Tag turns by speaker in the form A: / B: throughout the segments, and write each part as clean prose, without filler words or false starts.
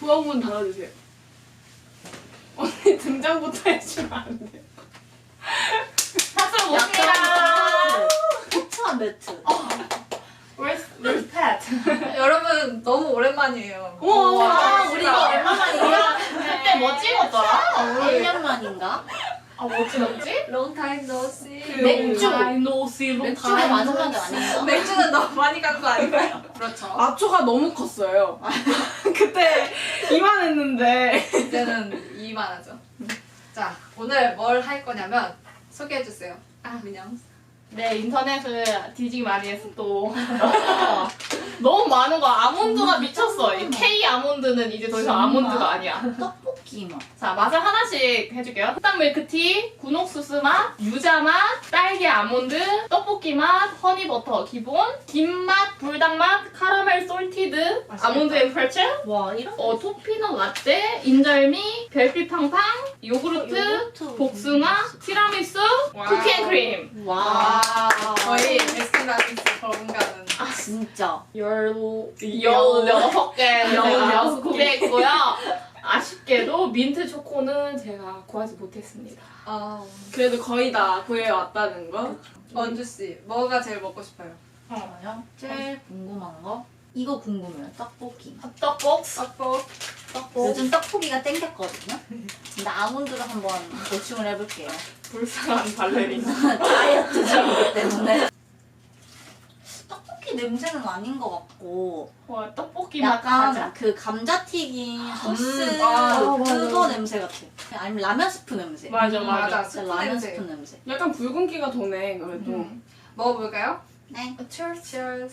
A: 구멍문 닫아주세요. 언니 등장부터 해주면 안 돼요?
B: 박수 못해라.
C: 포트한 매트.
B: Where's Pat?
D: 여러분 너무 오랜만이에요.
A: 우와,
C: 우리 이거 얼마만이야?
B: 그때 뭐 찍었더라?
C: 1년 만인가?
B: 아, 뭐 찍었지?
D: Long time no see.
C: 맥주.
B: 맥주가
C: 맥주가 마지막이 아닌가?
D: 맥주는 너무 많이 간 거 아닌가요? 그렇죠.
A: 마초가 너무 컸어요. 그때 이만했는데.
D: 이제는 이만하죠. 자, 오늘 뭘 할 거냐면 소개해 주세요. 민영.
B: 네, 인터넷을 뒤지기 많이 해서 또 너무 많은 거. 아몬드가 미쳤어. 이 K 아몬드는 이제 더 이상 아몬드가 아니야.
C: 떡볶이 맛.
B: 자, 맛을 하나씩 해줄게요. 흑당 밀크티, 군옥수수 맛, 유자 맛, 딸기 아몬드, 떡볶이 맛, 허니버터 기본, 김맛, 불닭 맛, 카라멜 솔티드,
D: 맛있겠다.
B: 아몬드 앤 프레첼,
C: 와 이런.
B: 토피넛 라떼, 인절미, 별빛 팡팡, 요구르트,
C: 요거트.
B: 복숭아, 티라미수, 쿠키 앤 크림.
C: 와.
D: 거의 베스킨라빈스 버금가는.
C: 진짜.
B: 16개 구매했고요. 아쉽게도 민트 초코는 제가 구하지 못했습니다.
A: 그래도 거의 다 구해왔다는 거.
D: 원주 씨, 뭐가 제일 먹고 싶어요?
C: 저요? 제일 궁금한 거? 이거 궁금해요. 떡볶이.
B: 떡볶이.
C: 요즘 떡볶이가 땡겼거든요. 근데 아몬드를 한번 보충을 해볼게요.
B: 불쌍한 발레리나.
C: 다이어트 중이기 때문에. 떡볶이 냄새는 아닌 것 같고
B: 와, 떡볶이 맛
C: 약간
B: 가자.
C: 그 감자튀김 소스
D: 맞아.
C: 그거 냄새 같아. 아니면 라면 스프 냄새.
B: 맞아, 맞아.
D: 스프
C: 라면
D: 냄새.
C: 스프 냄새.
A: 약간 붉은기가 도네, 그래도.
D: 먹어볼까요?
C: 네.
D: Cheers. Cheers.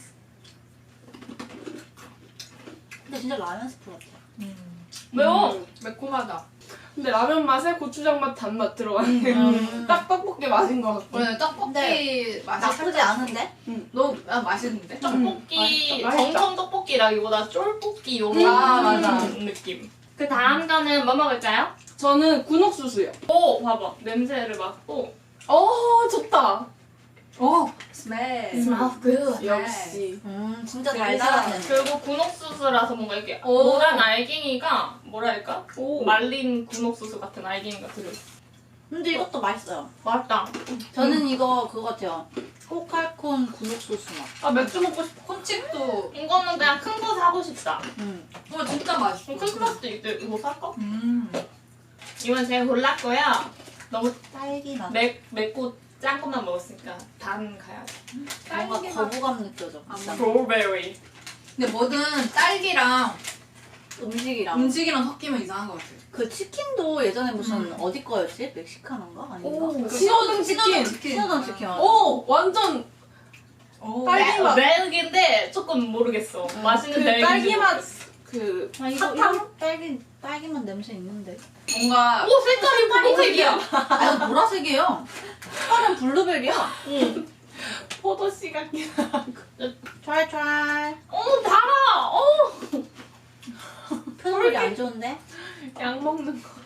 C: 근데 진짜 라면 스프 같아.
B: 매워.
D: 매콤하다.
A: 근데 라면 맛에 고추장 맛, 단맛 들어가네요. 딱 떡볶이 맛인 것 같고.
D: 오늘 떡볶이
C: 근데
D: 맛이
C: 나쁘지
D: 살짝-
C: 않은데?
D: 너무 맛있는데?
B: 떡볶이,
A: 맛있다.
B: 정통 떡볶이라기보다 쫄볶이 요런
D: 맞아.
B: 느낌. 그 다음 거는 뭐 먹을까요?
A: 저는 군옥수수요.
B: 오, 봐봐. 냄새를 맡고.
A: 좋다.
D: 오, 스멜.
B: Smells good.
A: 역시.
C: 진짜
D: 진짜.
C: 달달하네.
B: 그리고 군옥수수라서 뭔가 이렇게
D: 오.
B: 노란 알갱이가 뭐랄까?
A: 오.
B: 말린 군옥수수 같은 알갱이가 들어있어.
C: 근데 이것도 맛있어요.
B: 맛있다.
C: 저는 이거 그거 같아요. 꼬칼콘 군옥소스 맛.
B: 아, 맥주 먹고 싶어.
D: 콘칩도
B: 이거는 그냥 큰 거 사고 싶다.
D: 진짜 맛있어.
B: 큰 플라스틱 이거 살까?
D: 음.
B: 이건 제가 골랐고요. 너무
C: 딸기 맛.
B: 맵고 짠 것만 먹었으니까 단 가야지.
C: 뭔가
D: 딸기 맛.
C: 거부감 느껴져. 비싼 거.
B: 스트로베리.
D: 근데 뭐든 딸기랑
C: 음식이랑.
D: 음식이랑 섞이면 이상한 것 같아.
C: 그 치킨도 예전에 무슨 어디 거였지? 멕시카노인가? 아닌가?
A: 신호등 치킨.
C: 신호등 치킨.
A: 완전
D: 오.
A: 딸기 맛.
B: 멜기인데 조금 모르겠어. 맛있는
A: 그
B: 멜기.
A: 딸기 맛.
C: 아 이거
A: 사탕?
C: 딸기 맛 냄새 있는데.
D: 뭔가
B: 오, 색깔이 보라색이야.
C: 아 이거 보라색이에요. 색깔은 블루베리야.
B: 응.
A: 포도씨 같긴 하고.
C: 찰찰.
B: 달아.
C: 표정이 안 좋은데?
A: 약 먹는 거.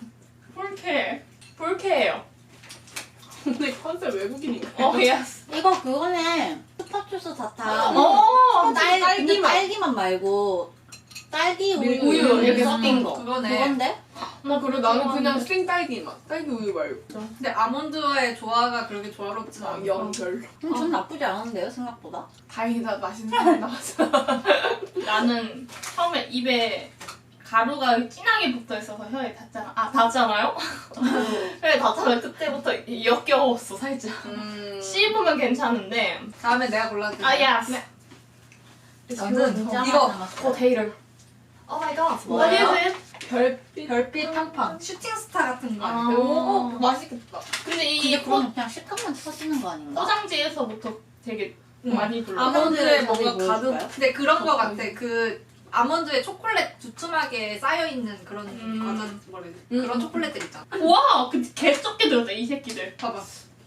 B: 불쾌해요.
A: 근데 컨셉 외국인인가?
B: 예스.
C: 이거 그거네. 스파추스 사탕.
A: 딸기
C: 근데
A: 맛.
C: 딸기만 말고 딸기 우유,
B: 우유 이렇게
C: 섞인 거.
D: 그거네.
C: 그건데?
A: 나 그리고 나는 그냥 생 딸기 맛. 딸기 우유 말고.
D: 근데 아몬드와의 조화가 그렇게 조화롭진 않아.
A: 영 별로.
C: 전 나쁘지 않은데요 생각보다.
A: 다행이다, 맛있는 거 나왔어.
B: 나는 처음에 입에 가루가 진하게 붙어 있어서 혀에 닿잖아. 닿잖아요? 혀에 닿잖아. 그때부터 역겨웠어 살짝. 씹으면 괜찮은데.
D: 다음에 내가 골라줄게.
B: 예스.
D: 저는
C: 진짜
D: 이거
C: 남았어요.
B: 포테이토. 오 마이 갓. What
C: 뭐예요?
B: is it?
A: 별빛.
D: 별빛 팡팡. 슈팅스타 같은 거.
B: 아.
D: 오, 맛있겠다.
B: 근데 이
C: 근데 그건 그냥 식감만 터지는 거 아닌가?
B: 포장지에서부터 되게 많이 불러.
D: 아몬드에
C: 자세히
D: 뭔가
C: 보여줄까요?
D: 가득. 근데 그런 거 같아. 그 아몬드에 초콜릿 두툼하게 쌓여 있는 그런 과자 뭐래 그런 초콜릿들 있잖아.
B: 와, 그 개쩍게 들었다 이 새끼들.
D: 봐봐.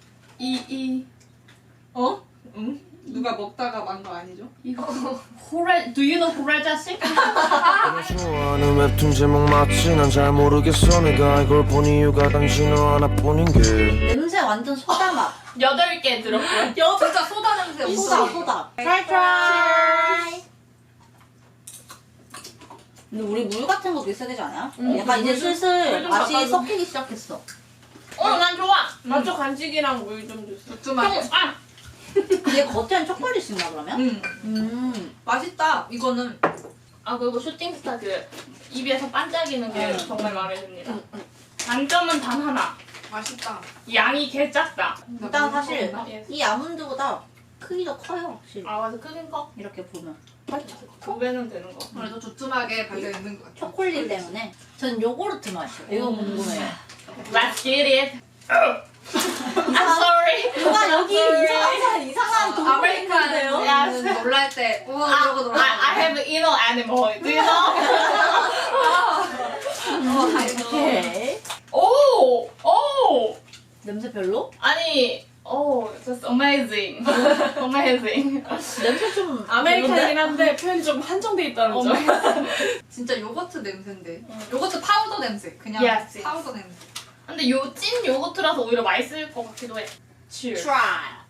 B: 어?
D: 응? 누가 먹다가 만 거 아니죠?
B: 이거 Do you know 호레 자식?
E: 좋아하는 웹툰 제목 맞지? 난 잘 모르겠어. 내가 이걸 본 이유가 단지 너 하나뿐인 게.
C: 냄새 완전 소다 맛.
B: 8개 들었고요.
D: 진짜 소다 냄새.
C: 소다
D: 없어.
C: 소다.
D: 트라이 트라이.
C: 근데 우리 물 같은 것도 있어야 되지 않아요?
A: 응,
C: 약간 이제
A: 물 좀-
C: 슬슬
A: 물좀
C: 맛이
A: 바꿔줘.
C: 섞이기 시작했어.
B: 난 좋아.
A: 맞죠? 간식이랑 물 좀 주세요.
D: 두툼하게.
C: 얘 겉에는 초콜릿인가 그러면?
D: 맛있다. 이거는
B: 그리고 슈팅스타 그 입에서 반짝이는 게 정말 마음에 듭니다. 단점은 단 하나.
D: 맛있다.
B: 양이 개 작다.
C: 일단 사실
B: 예.
C: 이 아몬드보다 크기가 커요 확실히.
B: 맞아. 크긴 커.
C: 이렇게 보면.
B: 2배는 되는 거.
D: 그래도 두툼하게 발려 있는 것 같아.
C: 초콜릿 때문에. 전 요구르트 맛이요. 이거 궁금해요.
B: Let's get it. I'm sorry.
C: 누가 여기 이상한 동물
D: 아메리카노
C: 있는데요?
D: 놀랄 때 우와 이러고 놀아.
B: I have inner animal. Do you know?
C: 오케이.
B: 오! 오!
C: 냄새 별로?
B: 아니, just amazing. amazing.
C: 냄새 좀
A: 아메리카노긴 한데 표현이 좀 한정돼 있다는 점.
D: 진짜 요거트 냄새인데. 요거트 파우더 냄새. 그냥
B: Yes, yes.
D: 파우더 냄새.
B: 근데 요 찐 요거트라서 오히려 맛있을 것 같기도 해. Cheers.
C: try.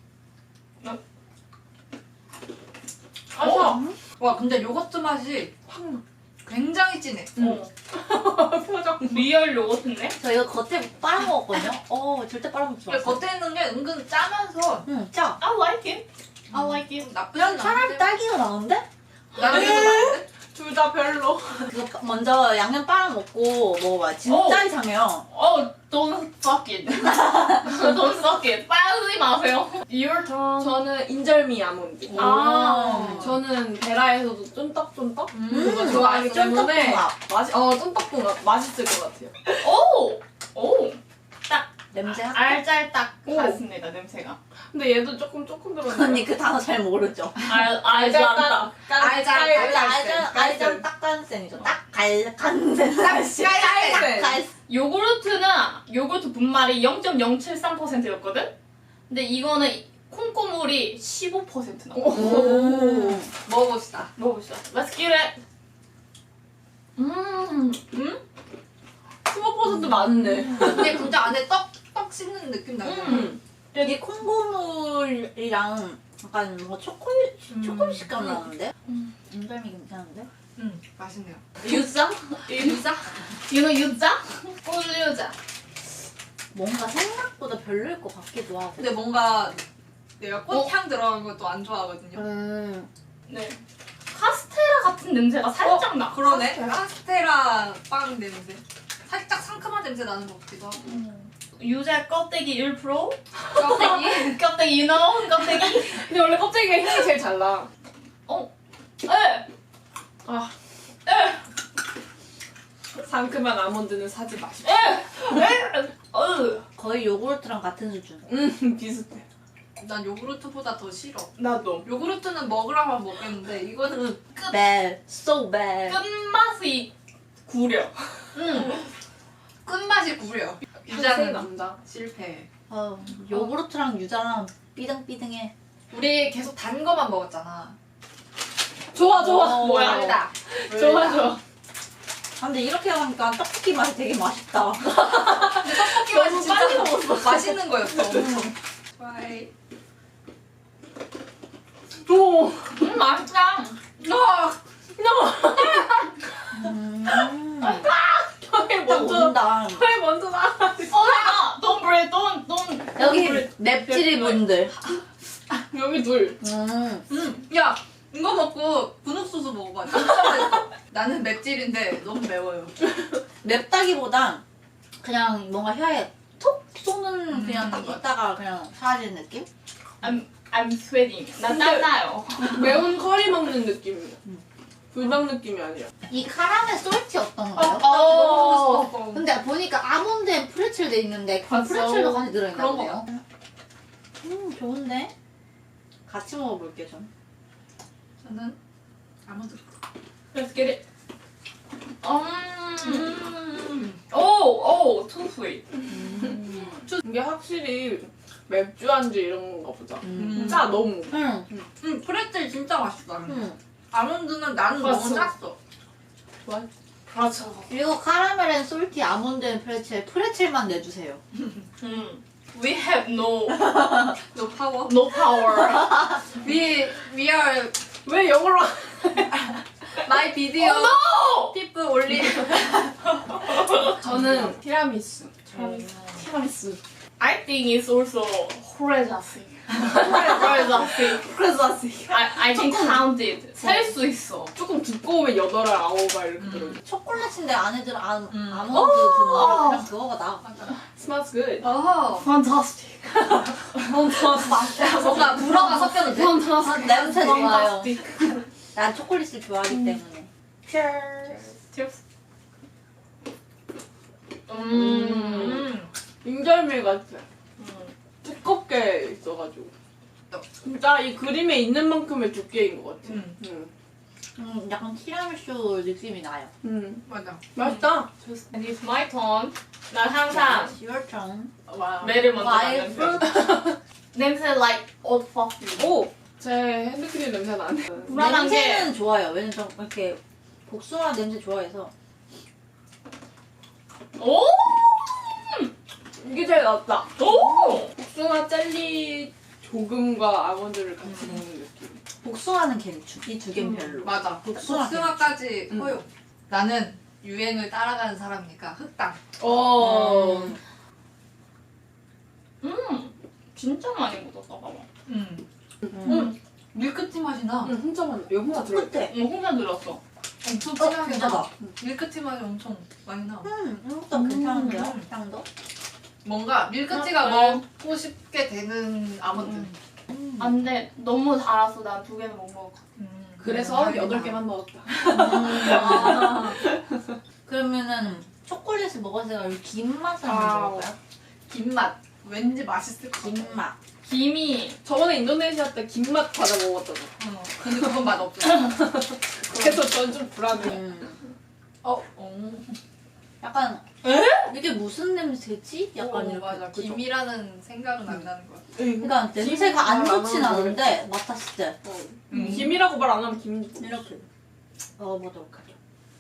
D: 와 근데 요거트 맛이 굉장히 진해.
A: 표정.
B: 리얼 요거트인데?
C: 저 이거 겉에 빨아먹었거든요. 절대 빨아먹지
D: 근데
C: 마세요.
D: 겉에 있는 게 은근 짜면서
C: 짜.
B: I like it. I like it.
D: 나쁘지
C: 그냥 차라리
D: 않은데.
C: 딸기가 나은데?
D: 나는 이거 나은데?
A: 둘 다 별로.
C: 그거 먼저 양념 빨아먹고 먹어봐. 진짜 이상해요.
B: Don't suck it. Don't suck it. 빨리 마세요. Your turn.
A: 저는 인절미 아몬드.
B: 아.
A: 저는 베라에서도 쫀떡쫀떡 그거
C: 음,
A: 좋아하기 때문에
C: 쫀떡궁합.
A: 쫀떡궁합 맛있을 것 같아요.
B: 오!
C: 냄새 학
B: 알잘딱
A: 오.
B: 같습니다, 냄새가.
A: 근데 얘도 조금 들었네.
C: 언니 그 단어 잘 모르죠?
B: 알잘딱.
C: 알장 딱간센이죠. 딱간센.
D: 깔깔깔.
B: 요구르트 분말이 0.073%였거든? 근데 이거는 콩고물이 15% 나와.
C: 오.
D: 먹어봅시다.
B: 먹어보시죠. Let's get it.
A: 15% 많네.
D: 근데 진짜 안에 떡 씹는 느낌 나요.
C: 이게 콩고물이랑 약간 뭐 초콜릿 식감 나는데? 인절미 괜찮은데?
D: 맛있네요.
B: 유자?
D: 유자?
B: 유자? 꿀유자.
C: 뭔가 생각보다 별로일 것 같기도 하고.
D: 근데 뭔가 내가 꽃향 들어간 것도 안 좋아하거든요.
B: 네. 카스테라 같은 냄새가 살짝 나.
D: 그러네. 카스테라 빵 냄새. 살짝 상큼한 냄새 나는 것 같기도 하고.
B: 유자 껍데기 1%?
D: 껍데기?
B: 껍데기, you know? 껍데기?
A: 근데 원래 껍데기가 향이 제일 잘 나. 상큼한 아몬드는 사지 마십시오.
C: 거의 요구르트랑 같은 수준.
A: 비슷해.
D: 난 요구르트보다 더 싫어.
A: 나도.
D: 요구르트는 먹으라면 먹겠는데 이거는
C: bad, so bad.
B: 끝맛이 구려.
D: 끝맛이 구려.
A: 유자는
D: 유자는
A: 남자.
D: 실패.
C: 요구르트랑 유자랑 삐등삐등해.
D: 우리 계속 단 거만 먹었잖아.
A: 좋아.
B: 뭐야?
D: 멀다.
A: 좋아.
C: 근데 이렇게 하니까 떡볶이 맛이 되게 맛있다.
D: 근데 떡볶이 맛이 진짜
A: 빨리 먹었어.
D: 맛있는 거였어. 좋아해.
A: 오.
B: 맛있다.
A: 혀에
C: 딱
A: 먼저.
C: 온다.
A: 혀에 먼저 나.
B: don't breathe, don't.
C: 여기 맵찔이 분들.
A: 여기 둘.
D: 야 이거 먹고 분홍소스 먹어봐. 진짜 맛있어. 나는 맵찔인데 너무 매워요.
C: 맵다기보단 그냥 뭔가 혀에 톡 쏘는 그냥 딱 있다가 그냥 사라지는 느낌?
B: I'm sweating. 나 땀나요.
A: 매운 커리 먹는 느낌이야. 불닭 느낌이 아니야.
C: 이 카라멜 솔티 어떤가요?
D: 먹고 싶었어.
C: 근데 보니까 아몬드 앤 프레첼 돼 있는데 그
A: 봤어.
C: 프레첼도 같이 들어있나
D: 그런
C: 보네요. 좋은데? 같이 먹어볼게 전.
D: 저는 아몬드.
B: Let's get it. 오, too sweet.
A: 이게 확실히 맥주 안주 이런 거 보자.
C: 음.
A: 짜 너무.
D: 프레첼 진짜 맛있다. 아몬드는 나는
A: 봤어.
D: 너무 짰어.
A: 그렇죠.
C: 그리고 카라멜 앤 솔티 아몬드 앤 프레첼만 내주세요.
B: We have no
D: 파워.
B: power.
D: We are
A: 왜 영어로?
D: 나의 비디오 피프 올리.
A: 저는 티라미수. 티라미수.
B: I think it's also 호레자식. 호레자식.
A: 크레자시.
B: I can count it. 셀 수 있어.
A: 조금 두꺼우면 8알, 9알 이렇게 들어요.
C: 초콜릿인데 안에 들어 아몬드 들어. 그냥 그거가 나.
A: Smells good.
D: 어.
B: Fantastic.
D: 뭔가 불어가 섞여도 돼.
C: 아, 냄새 좋아요.
B: Fantastic.
C: 난 초콜릿을 좋아하기 때문에.
B: Cheers.
A: 인절미 같아. 두껍게 있어가지고. 진짜 이 그림에 있는 만큼의 두께인 것 같아.
C: 약간 티라미수 느낌이 나요.
D: 맞아.
A: 맛있다.
B: And it's my turn. 난 항상
C: Your turn.
B: 매를 먼저
C: Wild
B: 맡는 냄새 like old perfume.
A: 오! 제 핸드크림 냄새 나네.
B: 불안한 게
C: 냄새는 좋아요. 왜냐면 좀 이렇게 복숭아 냄새 좋아해서.
B: 오!
A: 이게 제일 낫다.
B: 오!
A: 복숭아 젤리 조금과 아몬드를 같이 먹는 느낌.
C: 복숭아는 괜찮. 이 두 개는 별로.
D: 맞아.
C: 복숭아
D: 복숭아까지 허용. 나는 유행을 따라가는 사람이니까 흑당.
A: 어.
B: 진짜 많이 묻었다 봐봐.
D: 밀크티 맛이 나.
A: 혼자 만 이거 혼자 들어있대.
C: 끝에.
B: 이거 혼자 들었어.
D: 엄청 진하게
C: 괜찮아.
D: 나. 밀크티 맛이 엄청 많이 나.
C: 이것도 괜찮은데요? 향도?
D: 뭔가 밀크티가 먹고 싶게 되는 아몬드.
B: 안 돼. 너무 달아서 난 2개는 못 먹을 것 같아.
A: 그래서 8개만 먹었다.
C: 그러면은 초콜릿을 먹었을 때 김 맛을
A: 아.
C: 한번 먹을까요?
D: 김맛. 왠지 맛있을 것 같아.
C: 김 맛.
B: 김이
A: 저번에 인도네시아 때 김맛 과자 먹었잖아.
D: 근데 그건 맛 없어.
A: 그래서 전 좀 불안해.
C: 약간 이게 무슨 냄새지? 약간 이렇게.
D: 맞아.
C: 그죠?
D: 김이라는 생각은 안 나는 거야.
C: 그러니까 냄새가 안 좋진 않은데 맡았을 때
A: 김이라고 말 안 하면 김.
C: 이렇게 먹어보도록 하죠.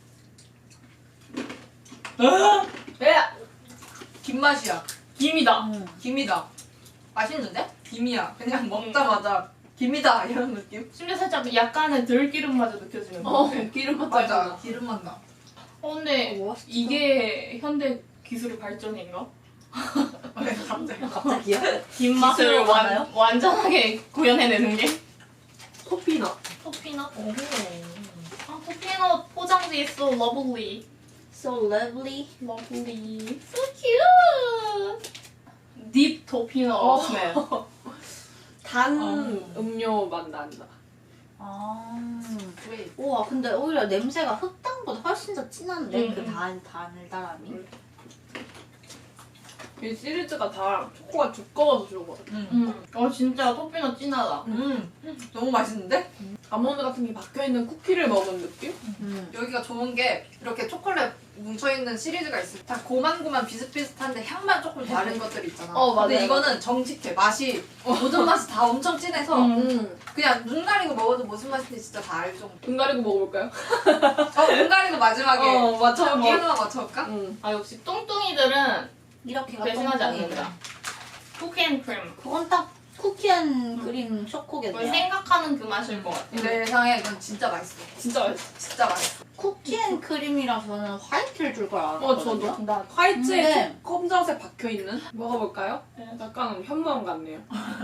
A: 왜?
D: 김맛이야.
B: 김이다.
D: 김이다. 맛있는데? 김이야. 그냥 먹자마자 김이다 이런 느낌?
B: 심지어 살짝 약간의 들기름마저 느껴지는 거 같아.
A: 기름 맛
D: 맞아.
A: 나잖아.
D: 기름맛 나.
B: 근데
C: 맛있다.
B: 이게 현대 기술의 발전인가?
D: 왜 갑자기?
C: 갑자기요?
B: 김 맛을
C: 기술로 가나요?
B: 완전하게 구현해내는 게
A: 토피넛.
B: 토피넛. 아, 토피넛 포장지 so lovely.
C: So lovely.
B: lovely. So cute. 딥 토피넛 스멜.
A: 단 음료 맛 난다.
D: 왜?
C: 우와 근데 오히려 냄새가 흑당보다 훨씬 더 진한데
B: 음.
C: 그 달달함이.
A: 이 시리즈가 다 초코가 두꺼워서 좋은 것 같아.
B: 진짜 토피넛 진하다.
D: 너무 맛있는데?
A: 아몬드 같은 게 박혀있는 쿠키를 먹은 느낌?
D: 여기가 좋은 게 이렇게 초콜릿 뭉쳐있는 시리즈가 있어. 다 고만고만 비슷비슷한데 향만 조금 다른 것들이 있잖아.
A: 맞아요.
D: 근데 이거는 정직해. 맛이 모든 맛이 다 엄청 진해서 그냥 눈 가리고 먹어도 무슨 맛인지 진짜 다 알 정도.
A: 눈 가리고 먹어볼까요?
D: 눈 가리고 마지막에
A: 맞춰.
D: 저기 하나 맞춰볼까?
B: 아 역시 뚱뚱이들은
C: 이렇게가
B: 배신하지
C: 똥똥이.
B: 않는다. 쿠키앤크림.
C: 그건 딱 쿠키앤 크림 초코겠네요.
B: 생각하는 그 맛일 것 같아.
D: 내 예상에 이건 진짜 맛있어.
A: 진짜 맛있어.
D: 진짜 맛있어.
C: 쿠키앤 크림이라서는 화이트를 줄 걸 알았거든요.
A: 저도.
B: 나
A: 화이트에
C: 근데-
A: 검정색 박혀있는? 먹어볼까요?
B: 네.
A: 약간 현무암 같네요.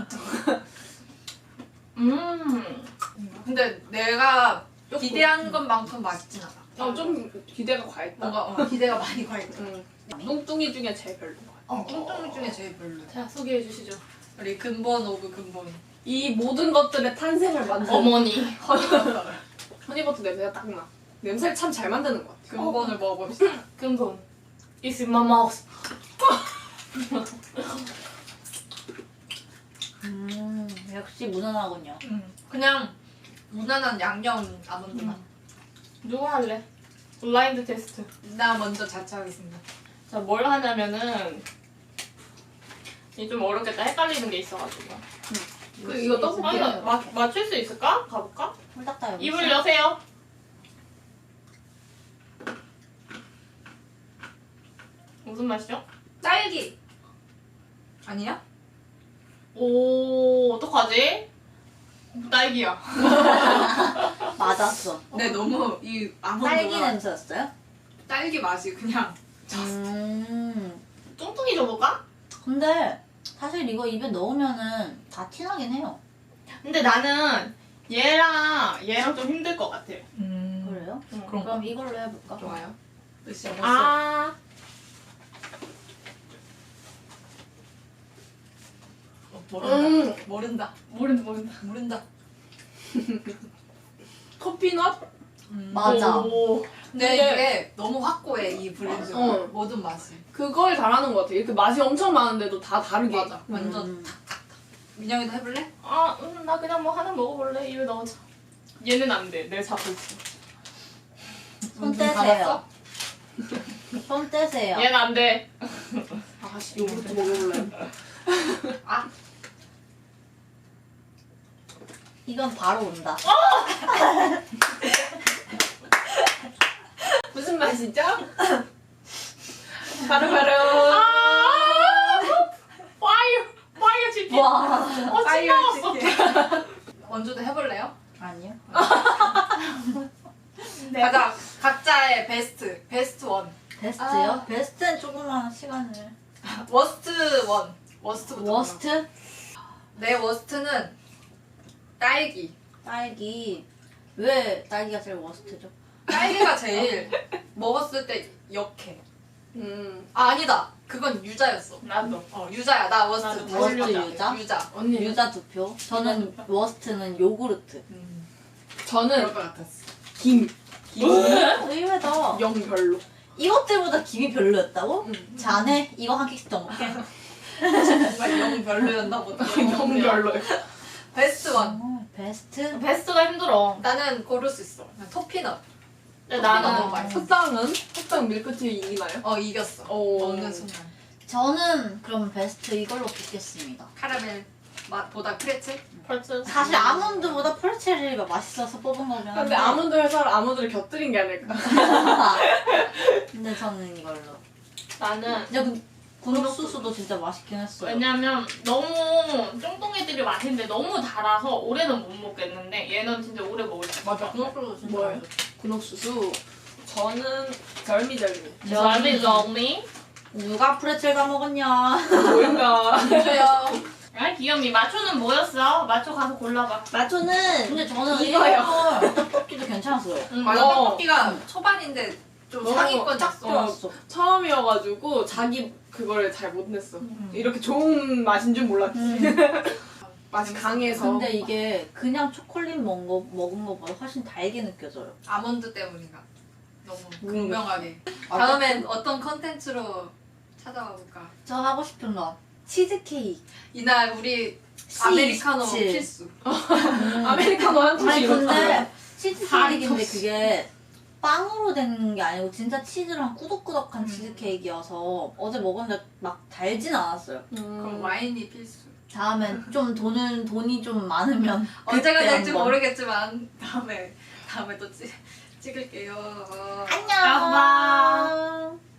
D: 근데 내가 기대한 것만큼 맛있진 않아.
A: 좀 기대가 과했다.
D: 뭔가 기대가 많이 가 있다.
A: 뚱뚱이 중에 제일 별로.
D: 뚱뚱이 중에 제일 별로.
B: 자 소개해 주시죠.
D: 우리 근본 오브 근본.
A: 이 모든 것들의 탄생을 만든
B: 어머니.
A: 허니버터 냄새가 딱 나. 냄새를 참 잘 만드는 것 같아.
D: 근본을 먹어봅시다.
B: 근본. It's in my mouth.
C: 역시 무난하군요.
D: 그냥 무난한 양념 아몬드 맛.
B: 누가 할래? 블라인드 테스트.
D: 나 먼저 자처하겠습니다.
B: 자, 뭘 하냐면은 이게 좀 어렵겠다. 헷갈리는 게 있어가지고.
A: 이거 떡볶이.
B: 맞출 수 있을까? 가볼까?
C: 홀딱 다 여기
B: 입을
C: 있어요.
B: 여세요. 무슨 맛이죠?
D: 딸기. 아니야?
B: 오, 어떡하지? 딸기야.
C: 맞았어.
D: 근데 너무 이 아몬드가
C: 딸기 냄새였어요?
D: 딸기 맛이 그냥
B: 뚱뚱이 줘볼까?
C: 근데 사실 이거 입에 넣으면은 다 티나긴 해요.
B: 근데 나는 얘랑 좀 힘들 것 같아.
C: 그래요?
D: 그런
C: 그럼 이걸로 해볼까?
D: 좋아요. 으쌰.
B: 아.
D: 모른다. 모른다.
B: 모른다.
D: 모른다.
A: 커피넛?
C: 맞아.
B: 오.
D: 근데
A: 근데-
D: 이게 너무 확고해 이 브랜드가
A: 어.
D: 모든 맛이.
A: 그걸 잘하는 것 같아. 이렇게 맛이 엄청 많은데도 다 다르게.
D: 맞아. 완전
C: 음.
D: 민영이도 해볼래?
B: 아, 나 그냥 뭐 하나 먹어볼래. 입에 넣어줘. 얘는 안 돼. 내 잡고 있어.
C: 손
D: 눈
C: 떼세요.
D: 감았어?
C: 손 떼세요.
B: 얘는 안 돼.
A: 아씨, 요거트 먹어볼래.
C: 이건 바로 온다.
A: 무슨 맛이죠? 바로바로.
B: 파이어 치킨.
C: 와.
B: 찌꺼웠어.
D: 원주도 해볼래요?
C: 아니요.
B: 네.
D: 가자. 각자의 베스트 원.
C: 베스트요? 베스트는 조금만 시간을.
D: 워스트 원. 워스트부터.
C: 워스트?
D: 내 워스트는 딸기.
C: 딸기. 왜 딸기가 제일 워스트죠?
D: 딸기가 제일 먹었을 때 역해.
A: 아,
D: 아니다. 그건 유자였어.
B: 나도.
D: 유자야. 나 워스트.
B: 나도
D: 다시
C: 워스트
D: 유자.
C: 유자?
D: 유자.
A: 언니.
C: 유자 2표. 저는 워스트는 요구르트.
A: 저는
D: 것 같았어.
A: 김.
C: 의외다.
A: 영 별로.
C: 이것 때보다 김이 별로였다고?
A: 응.
C: 자네 이거 한 개씩 더 먹게.
D: 정말 영 별로였나 보다.
A: 영 별로.
D: 베스트 원.
C: 베스트?
B: 베스트가 힘들어.
D: 나는 고를 수 있어. 그냥 토피넛.
B: 근데
D: 너무
B: 나는
D: 맛있어.
A: 흑당 밀크티 이기나요?
D: 이겼어.
A: 오.
D: 먹는 순간.
C: 저는 그럼 베스트 이걸로 뽑겠습니다.
D: 카라멜 맛보다 프레첼?
B: 벌써
C: 사실 아몬드보다 펄체리가 맛있어서 뽑은 거긴 한데.
A: 근데 아몬드 회사를 아몬드를 곁들인 게 아닐까.
C: 근데 저는 이걸로.
B: 나는
C: 근데 그 군옥수수도 진짜 맛있긴 했어요.
B: 왜냐면 너무 쫑똥이들이 맛있는데 너무 달아서 올해는 못 먹겠는데 얘는 진짜 오래 먹을 수 있어.
D: 그것도 진짜
A: 뭐예요?
D: 맛있어.
A: 군옥수수. 저는 절미절미.
B: 절미.
C: 누가 프레첼 다 먹었냐?
A: 뭐인가.
D: 주요.
B: 아 귀염이. 마초는 뭐였어? 마초 가서 골라봐.
A: 마초는
C: 근데 저는
A: 이거요.
C: 이거 떡볶이도 괜찮았어요.
D: 맞아.
A: 어.
D: 떡볶이가 초반인데 좀
A: 너무
D: 상위권
C: 딱
D: 였어.
C: 좋았어.
A: 처음이어가지고 자기 그거를 잘 못 냈어. 이렇게 좋은 맛인 줄 몰랐지. 맛이 강해서.
C: 근데 이게 그냥 초콜릿 먹은 거보다 훨씬 달게 느껴져요.
D: 아몬드 때문인가? 너무
C: 모르겠어.
D: 극명하게.
C: 아,
D: 다음엔 어떤 컨텐츠로 찾아와 볼까?
C: 저 하고 싶은 거 치즈케이크.
D: 이날 우리 아메리카노
C: C27.
D: 필수.
A: 아메리카노 한
C: 아니
A: 통씩
C: 근데
A: 이렇게.
C: 치즈케이크인데 그게 빵으로 된 게 아니고 진짜 치즈랑 꾸덕꾸덕한 치즈케이크여서 어제 먹었는데 막 달진 않았어요.
D: 그럼 와인이 필수.
C: 다음엔 좀 돈이 좀 많으면
D: 언제가
C: 그때
D: 될지
C: 한번.
D: 모르겠지만 다음에 또 찍을게요.
C: 안녕.